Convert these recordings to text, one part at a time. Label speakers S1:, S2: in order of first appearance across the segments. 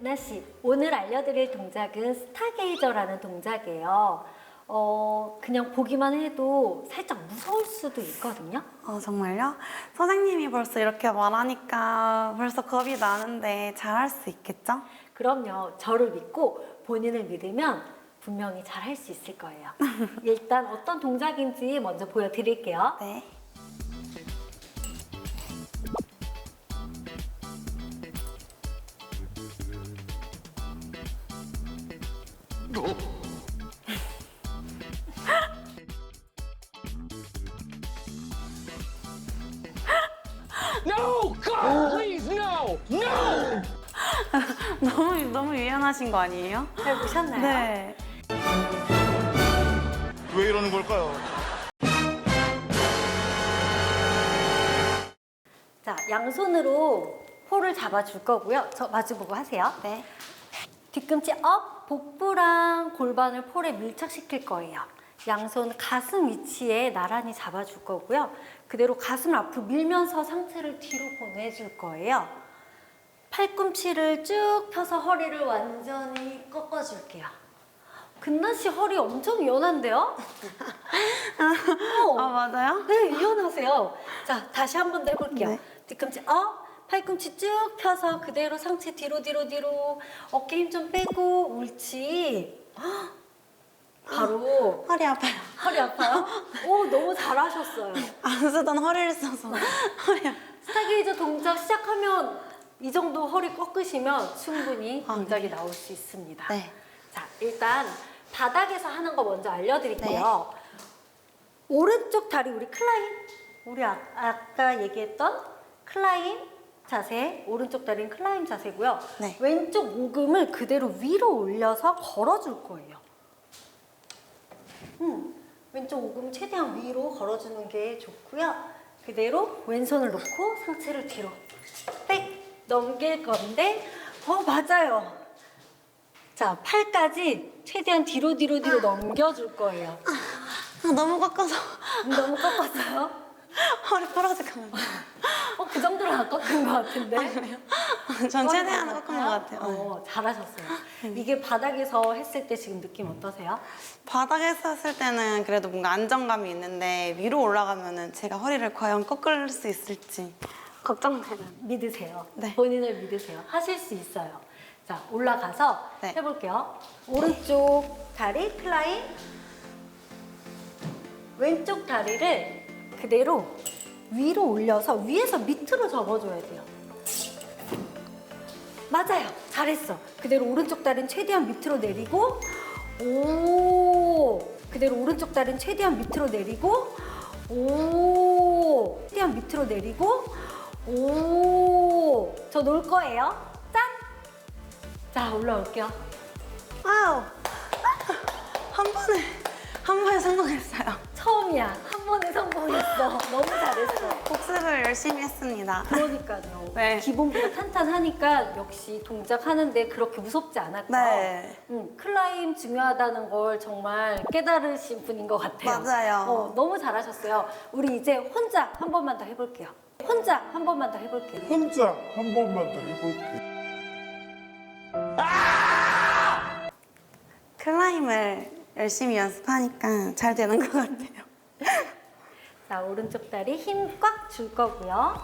S1: 나씨, 오늘 알려드릴 동작은 스타게이저라는 동작이에요. 그냥 보기만 해도 살짝 무서울 수도 있거든요.
S2: 정말요? 선생님이 벌써 이렇게 말하니까 벌써 겁이 나는데 잘할 수 있겠죠?
S1: 그럼요. 저를 믿고 본인을 믿으면 분명히 잘할 수 있을 거예요. 일단 어떤 동작인지 먼저 보여드릴게요.
S2: 네.
S3: No! God, please, no! No!
S2: 너무 유연하신 거 아니에요?
S1: 잘 보셨나요?
S2: 네.
S4: 왜 이러는 걸까요?
S1: 자, 양손으로 홀을 잡아줄 거고요. 저 마주보고 하세요.
S2: 네.
S1: 뒤꿈치 업, 복부랑 골반을 폴에 밀착시킬 거예요. 양손 가슴 위치에 나란히 잡아줄 거고요. 그대로 가슴을 앞으로 밀면서 상체를 뒤로 보내줄 거예요. 팔꿈치를 쭉 펴서 허리를 완전히 꺾어줄게요. 근나 씨 허리 엄청 유연한데요?
S2: 맞아요?
S1: 네, 유연하세요. 자, 다시 한 번 더 해볼게요.
S2: 네.
S1: 뒤꿈치 업, 팔꿈치 쭉 펴서 그대로 상체 뒤로 어깨 힘 좀 빼고 옳지. 헉, 바로
S2: 허리 아파요.
S1: 허리 아파요? 오, 너무 잘하셨어요.
S2: 안 쓰던 허리를 써서 허리 아파요.
S1: 스타게이저 동작 시작하면 이 정도 허리 꺾으시면 충분히 동작이
S2: 네.
S1: 나올 수 있습니다.
S2: 네.
S1: 자, 일단 바닥에서 하는 거 먼저 알려드릴게요. 오른쪽 다리 우리 클라임, 우리 아까 얘기했던 클라임 자세, 오른쪽 다리는 클라임 자세고요.
S2: 네.
S1: 왼쪽 오금을 그대로 위로 올려서 걸어줄 거예요. 왼쪽 오금 최대한 위로 걸어주는 게 좋고요. 그대로 왼손을 놓고 상체를 뒤로 백 넘길 건데, 맞아요. 자, 팔까지 최대한 뒤로 넘겨줄 거예요.
S2: 너무 꺾어서
S1: 너무 꺾었어요?
S2: 허리 부러질 것 같아요.
S1: 그 정도로 안 꺾은 것 같은데.
S2: 전 최대한 꺾은 것 같아요. 네.
S1: 잘하셨어요. 이게 바닥에서 했을 때 지금 느낌 어떠세요?
S2: 바닥에서 했을 때는 그래도 뭔가 안정감이 있는데 위로 올라가면은 제가 허리를 과연 꺾을 수 있을지 걱정되는.
S1: 믿으세요.
S2: 네.
S1: 본인을 믿으세요. 하실 수 있어요. 자, 올라가서
S2: 네.
S1: 해볼게요. 오른쪽 다리 클라임, 왼쪽 다리를 그대로 위로 올려서 위에서 밑으로 접어줘야 돼요. 맞아요. 잘했어. 그대로 오른쪽 다리는 최대한 밑으로 내리고, 오, 그대로 오른쪽 다리는 최대한 밑으로 내리고, 오, 최대한 밑으로 내리고, 오, 저 놓을 거예요. 짠! 자, 올라올게요.
S2: 와우! 한 번에 성공했어요.
S1: 처음이야. 한 번에 성공했어. 너무 잘했어.
S2: 복습을 열심히 했습니다.
S1: 그러니까요.
S2: 네.
S1: 기본기가 탄탄하니까 역시 동작하는데 그렇게 무섭지 않았죠.
S2: 네.
S1: 클라임 중요하다는 걸 정말 깨달으신 분인 것 같아요.
S2: 맞아요.
S1: 너무 잘하셨어요. 우리 이제 혼자 한 번만 더 해볼게요. 혼자 한 번만 더 해볼게요.
S4: 혼자 한 번만 더 해볼게.
S2: 클라임을 열심히 연습하니까 잘 되는 것 같아요.
S1: 자, 오른쪽 다리 힘 꽉 줄 거고요.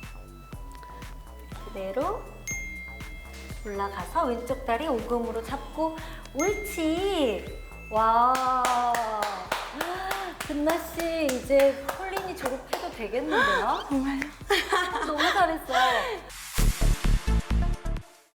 S1: 그대로 올라가서 왼쪽 다리 오금으로 잡고 옳지. 와, 근나 씨 이제 폴린이 졸업해도 되겠는데요?
S2: 정말요?
S1: 너무 잘했어요.